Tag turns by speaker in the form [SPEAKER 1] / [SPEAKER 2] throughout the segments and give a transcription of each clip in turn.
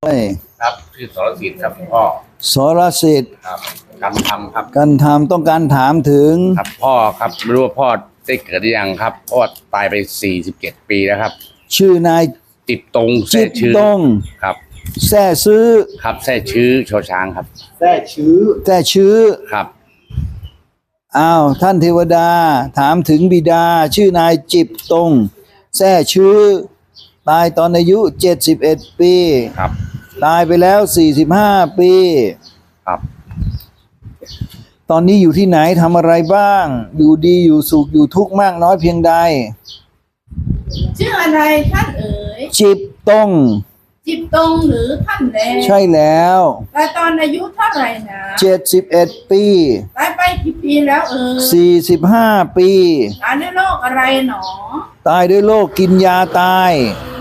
[SPEAKER 1] เอ้ย
[SPEAKER 2] ครับชื่อสรสิทธิ์ครับพ่อ
[SPEAKER 1] สรสิทธิ์
[SPEAKER 2] ครับการทำครับ
[SPEAKER 1] กันทำต้องการถามถึง
[SPEAKER 2] ครับพ่อครับไม่รู้ว่าพ่อได้เกิดหรือยังครับพ่อตายไป47 ปีแล้วครับ
[SPEAKER 1] ชื่อนาย
[SPEAKER 2] จิตตรงแท้
[SPEAKER 1] จิต
[SPEAKER 2] ชื่อ
[SPEAKER 1] ต้อง
[SPEAKER 2] ครับ
[SPEAKER 1] แท้ซื้อ
[SPEAKER 2] ครับแท้ชื่อชอช้างครับ
[SPEAKER 1] แท้ชื้อ
[SPEAKER 2] ครับ
[SPEAKER 1] อ้าวท่านเทวดาถามถึงบิดาชื่อนายจิตตรงแท้ชื้อตายตอนอายุ71 ปี
[SPEAKER 2] ครับ
[SPEAKER 1] ตายไปแล้ว45 ปี
[SPEAKER 2] ครับ
[SPEAKER 1] ตอนนี้อยู่ที่ไหนทำอะไรบ้างอยู่ดีอยู่สุขอยู่ทุกข์มากน้อยเพียงใด
[SPEAKER 3] ชื่ออะไรท่านเอ๋ย
[SPEAKER 1] จิตต้อง
[SPEAKER 3] จิตตรงหรือท่านแล
[SPEAKER 1] ใช่แล้ว
[SPEAKER 3] ตายตอนอายุเท่าไหร่นะ
[SPEAKER 1] 71 ปี
[SPEAKER 3] ตายไปกี่ปีแล้วเอ๋ย
[SPEAKER 1] 45 ปี
[SPEAKER 3] ตายด้วยโรคอะไรหนอ
[SPEAKER 1] ตายด้วยโรคกินยาตาย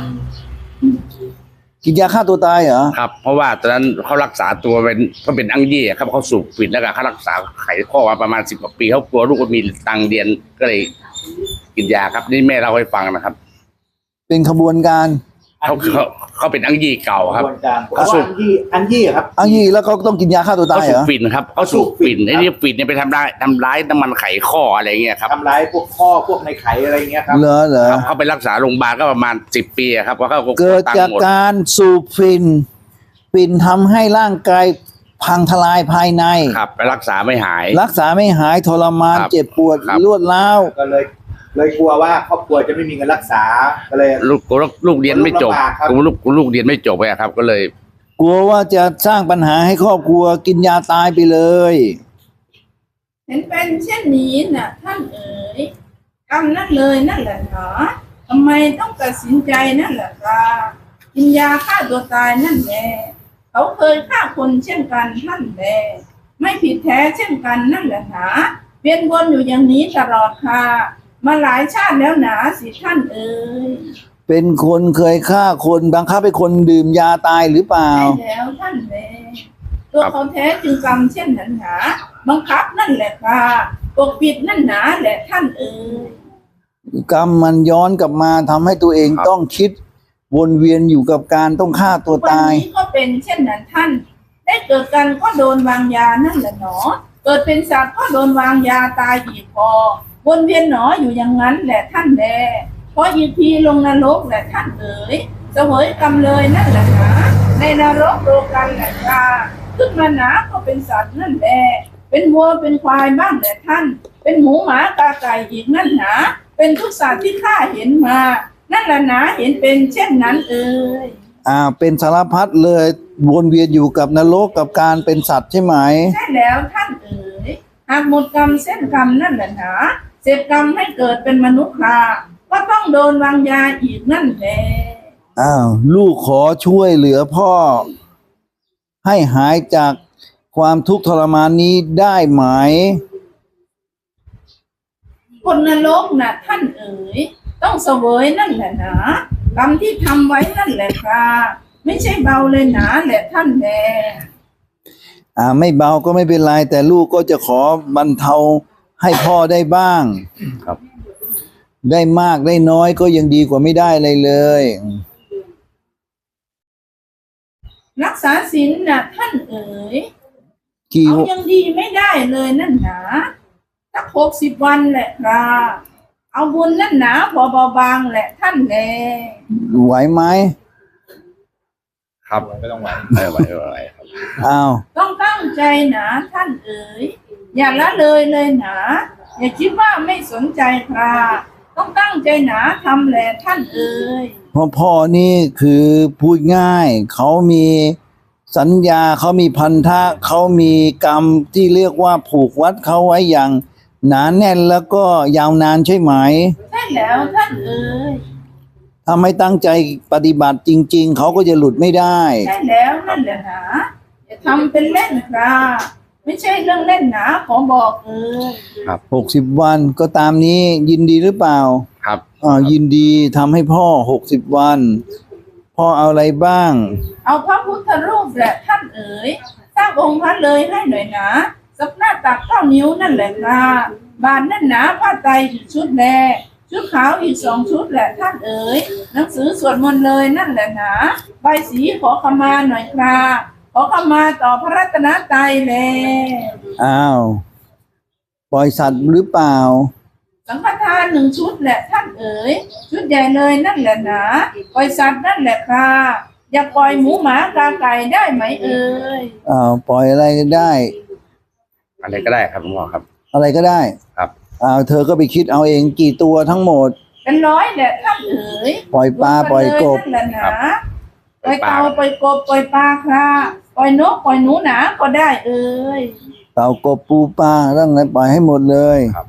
[SPEAKER 1] กินยาฆ่าตัวตายเหรอ
[SPEAKER 2] ครับเพราะว่าตอนนั้นเขารักษาตัวเป็นอังยี่ครับเขาสูบฝิ่นแล้วก็เขารักษาไขข้อมาประมาณ10 กว่าปีเขากลัวลูกก็มีตังเรียนก็เลยกินยาครับนี่แม่เล่าให้ฟังนะครับ
[SPEAKER 1] เป็นขบวนการ
[SPEAKER 2] เขาเป็นอังยี่เก่าครับ
[SPEAKER 4] เขาสูบอังยี่ครับ
[SPEAKER 1] อังยี่แล้วเขาต้องกินยาฆ่าตัวตายเหรอ
[SPEAKER 2] เขาสูบฝิ่นครับเขาสูบฝิ่นไอ้นี่ฝิ่นเนี่ยไปทำร้ายน้ำมันไขข้ออะไรเงี้ยครับ
[SPEAKER 4] ทำร้ายพวกข้อพวกในไขอะไรเงี้ยครับ
[SPEAKER 1] เหรอ
[SPEAKER 2] เขาไปรักษาโรงพยาบาลก็ประมาณ10 ปีครับเพราะเขา
[SPEAKER 1] เกิดจากการสูบฝิ่นทำให้ร่างกายพังทลายภายใน
[SPEAKER 2] ครับไปรักษาไม่ห
[SPEAKER 1] ายทรมานเจ็บปวดรวดร้าว
[SPEAKER 4] ก็เลยกลัวว่าครอบครัวจะไม่มีเงินรักษาก็เลย
[SPEAKER 2] ลูกเรียนไม่จบลูกเรียนไม่จบไปครับก็เลย
[SPEAKER 1] กลัวว่าจะสร้างปัญหาให้ครอบครัวกินยาตายไปเลย
[SPEAKER 3] เห็นเป็นเช่นนี้น่ะท่านเอ๋ยกรรมนั่นเลยนั่นแหละหนอทำไมต้องตัดสินใจนั่นแหละครับกินยาฆ่าตัวตายนั่นแหละเขาเคยฆ่าคนเช่นกันท่านแลไม่ผิดแท้เช่นกันนั่นแหละหนาเวียนวนอยู่อย่างนี้ตลอดค่ะมาหลายชาติแล้วหนาสิท่านเอ๋ย
[SPEAKER 1] เป็นคนเคยฆ่าคนบังคับให้คนดื่มยาตายหรือเปล่า
[SPEAKER 3] ใช่แล้วท่านแลตัวเขาแท้จึงกรรมเช่นนั้นหนาบังคับนั่นแหละค่ะปกปิดนั่นหนาแหละท่านเอ๋ย
[SPEAKER 1] กรรมมันย้อนกลับมาทำให้ตัวเองต้องคิดวนเวียนอยู่กับการต้องฆ่าตัวตาย
[SPEAKER 3] วันนี้ก็เป็นเช่นนั้นท่านได้เกิดกันก็โดนวางยานั่นแหละหนอเกิดเป็นสัตว์ก็โดนวางยาตายอีกพอวนเวียนหนออยู่อย่างนั้นแหละท่านแลเพราะอีกทีลงนรกแหละท่านเอ๋ยเสวยกรรมเลยนั่นแหละหนาในนรกโลกันแหละจ้าขึ้นมาหนาก็เป็นสัตว์นั่นแหละเป็นวัวเป็นควายบ้างแหละท่านเป็นหมูหมากาไก่อีกนั่นหนาเป็นทุกสัตว์ที่ข้าเห็นมานั่นแหละหนาเห็นเป็นเช่นนั้นเอ๋ย
[SPEAKER 1] เป็นสารพัดเลยวนเวียนอยู่กับนรกกับการเป็นสัตว์ใช่ไหม
[SPEAKER 3] ใช่แล้วท่านเอ๋ยหากหมดกรรมเส้นกรรมนั่นแหละหนาเสร็จกรรมให้เกิดเป็นมนุษย์ค่ะก็ต้องโดนวางยาอีกนั่นแหละ
[SPEAKER 1] ลูกขอช่วยเหลือพ่อให้หายจากความทุกข์ทรมานนี้ได้ไหม
[SPEAKER 3] คนนรกน่ะท่านเอ๋ยต้องเสวยนั่นแหละหนากรรมที่ทำไว้นั่นแหละค่ะไม่ใช่เบาเลยหนาแหละท่านแล
[SPEAKER 1] ไม่เบาก็ไม่เป็นไรแต่ลูกก็จะขอบรรเทาให้พ่อได้บ้าง
[SPEAKER 2] ครับ
[SPEAKER 1] ได้มากได้น้อยก็ยังดีกว่าไม่ได้เลยเลย
[SPEAKER 3] รักษาศีลน่ะท่านเอ๋ยเอายังดีไม่ได้เลยนั่นหนาสัก60 วันแหละค่ะเอาบุญนั่นหนาเบาบางแหละท่านแล
[SPEAKER 1] ไหวไหม
[SPEAKER 2] ครับไม่ต้องไหวไม่ไหวครับ
[SPEAKER 3] ต้องตั้งใจหนาท่านเอ๋ยอย่าละเลยหนาอย่าคิดว่าไม่สนใจค่ะต้องตั้งใจหนาทำแหละท่านเอ๋ย
[SPEAKER 1] พ่อนี่คือพูดง่ายเขามีสัญญาเขามีพันธะเขามีกรรมที่เรียกว่าผูกวัดเขาไว้อย่างหนาแน่นแล้วก็ยาวนานใช่ไหม
[SPEAKER 3] ใช่แล้วท่านเอ๋ย
[SPEAKER 1] ถ้าไม่ตั้งใจปฏิบัติจริงๆเขาก็จะหลุดไม่ได้
[SPEAKER 3] ใช่แล้วนั่นแหละหนาอย่าทำเป็นเล่นค่ะไม่ใช่เรื่องเล่นหนาขอบอก
[SPEAKER 1] ครับ60 วันก็ตามนี้ยินดีหรือเปล่า
[SPEAKER 2] ครับ
[SPEAKER 1] ยินดีทำให้พ่อ60 วันพ่อเอาอะไรบ้าง
[SPEAKER 3] เอาพระพุทธรูปแหละท่านเอ๋ยสร้างองค์พระเลยให้หน่อยนะสักหน้าตัก9 นิ้วนั่นแหละค่ะบานนั่นหนาผ้าไตรชุดแลชุดขาวอีก2 ชุดแหละท่านเอ๋ยหนังสือสวดมนต์เลยนั่นแหละหนาใบสีขอขมาหน่อยครับขอขมาต่อพระรัตนตรัยแล
[SPEAKER 1] อ้าวปล่อยสัตว์หรือเปล่า
[SPEAKER 3] สังฆทาน1 ชุดแหละท่านเอ๋ยชุดใหญ่เลยนั่นแหละหนาปล่อยสัตว์นั่นแหละค่ะอย่าปล่อยหมูหมากาไก่ได้ไหมเอ๋ย
[SPEAKER 1] อ้าวปล่อยอะไรก็ได้
[SPEAKER 2] อะไรก็ได้ครับหลวงพ่อครับ
[SPEAKER 1] อะไรก็ได้
[SPEAKER 2] ครับ
[SPEAKER 1] อ้าวเธอก็ไปคิดเอาเองกี่ตัวทั้งหมด
[SPEAKER 3] เป็น100แหละท่านเอ๋ย
[SPEAKER 1] ปล่อยปลาปล่อยกบ
[SPEAKER 3] นั่นแหละหนาปล่อยเต่าปล่อยกบปล่อยปลาค่ะปล่อยนกปล่อยหนูหนาก็ได้เอ๋ย
[SPEAKER 1] เต่ากบปูปลาเรื่องอะไรปล่อยให้หมดเลย
[SPEAKER 2] ครับ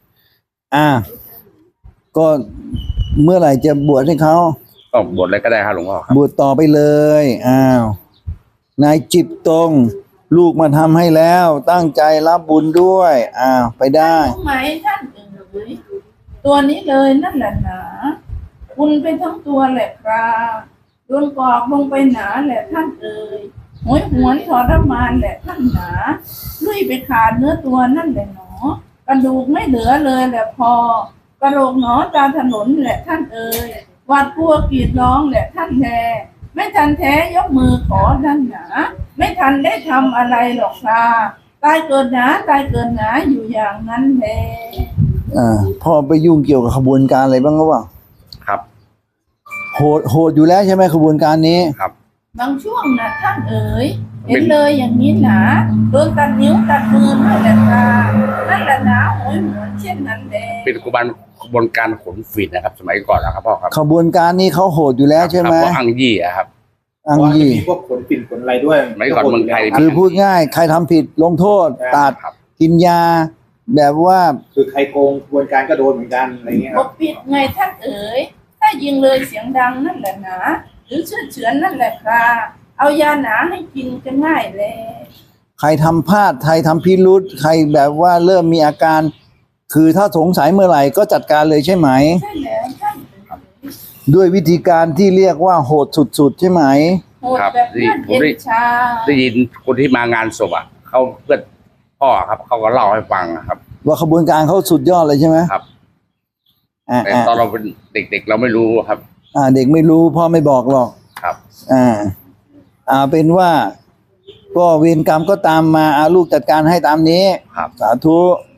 [SPEAKER 1] ก็เมื่อไหร่จะบวชให้เขา
[SPEAKER 2] ก็บทอะไรก็ได้ครับหลวงพ่อครับ
[SPEAKER 1] บวชต่อไปเลยนายจิบตรง ลูกมาทำให้แล้ว ตั้งใจรับบุญด้วยไปได้
[SPEAKER 3] รู้ไหมท่านเอ๋ยตัวนี้เลยนั่นแหละหนาคุณไปทั้งตัวแหละครับโดนกรอกลงไปหนาแหละท่านเอ๋ยหวยหวนทรมานแหละท่านหนาลุยไปขาดเนื้อตัวนั่นแหละหนอกระดูกไม่เหลือเลยแหละพอกระโหลกหนอตามถนนแหละท่านเอ๋ยหวาดกลัวกรีดร้องแหละท่านแท้ไม่ทันแท้ยกมือขอท่านหนาไม่ทันได้ทำอะไรหรอกค่ะตายเกิดหนาตายเกิดหนาอยู่อย่างนั้นแหละ
[SPEAKER 1] พ่อไปยุ่งเกี่ยวกับขบวนการอะไรบ้างหรือเปล่า
[SPEAKER 2] ครับ
[SPEAKER 1] โหดอยู่แล้วใช่ไหมขบวนการนี้
[SPEAKER 2] ครับ
[SPEAKER 3] บางช่วงนะท่านเอ๋ยเห็นเลยอย่างนี้หนาโดนตัดนิ้วตัดมือนั่นแหละค่ะนั่นแหละหนาโหยหวนเช่นนั้นแหละ
[SPEAKER 2] เป็นขบวนการขนฝิ่นนะครับ สมัยก่อนนะครับพ่อครับ
[SPEAKER 1] ขบวนการนี้เขาโหดอยู่แล้วใช่ไหม
[SPEAKER 2] ครับเพราะอังยี่อะครับ
[SPEAKER 1] อัง
[SPEAKER 4] เพราะว่าจะ
[SPEAKER 1] ยี่
[SPEAKER 4] มีพวกขนปิ่นขนอะไรด้วย
[SPEAKER 2] สมัยก่อนเมืองไทย
[SPEAKER 1] คือพูดง่ายใครทำผิดลงโทษตัด
[SPEAKER 2] ครับ
[SPEAKER 1] กินยา แบบว่า
[SPEAKER 4] คือใครโกงกระบวนการก็โดนเหมือนกันอะไรเงี้ย
[SPEAKER 3] ป
[SPEAKER 4] ครับ
[SPEAKER 3] กปิดไงท่านเอ๋ยถ้ายิงเลยเสียงดังนั่นแหละหนาหรือเชื่อเฉือนนั่นแหละค่ะเอายาหนาให้กินจะง่ายเลย
[SPEAKER 1] ใครทำพลาดใครทำพิรุษใครแบบว่าเริ่มมีอาการ คือถ้าสงสัยเมื่อไหร่ก็จัดการเลยใช่ไหม
[SPEAKER 3] ใช่แล้วท่านเอ๋ย
[SPEAKER 1] ด้วยวิธีการที่เรียกว่าโหดสุดๆใช่ไหม
[SPEAKER 3] โหดแบบนั่นเย็นชา
[SPEAKER 2] ได้ยินคนที่มางานศพอ่ะเขาเพื่อนพ่อครับเขาก็เล่าให้ฟังนะครับ
[SPEAKER 1] ว่าขบวนการเขาสุดยอดเลยใช่ไหม
[SPEAKER 2] ครับ
[SPEAKER 1] อ่า
[SPEAKER 2] แต่ตอนเราเป็นเด็กๆเราไม่รู้ครับ
[SPEAKER 1] เด็กไม่รู้พ่อไม่บอกหรอก
[SPEAKER 2] ครับ
[SPEAKER 1] เป็นว่า ก็เวรกรรมก็ตามมาลูกจัดการให้ตามนี้
[SPEAKER 2] ครับ
[SPEAKER 1] สาธุ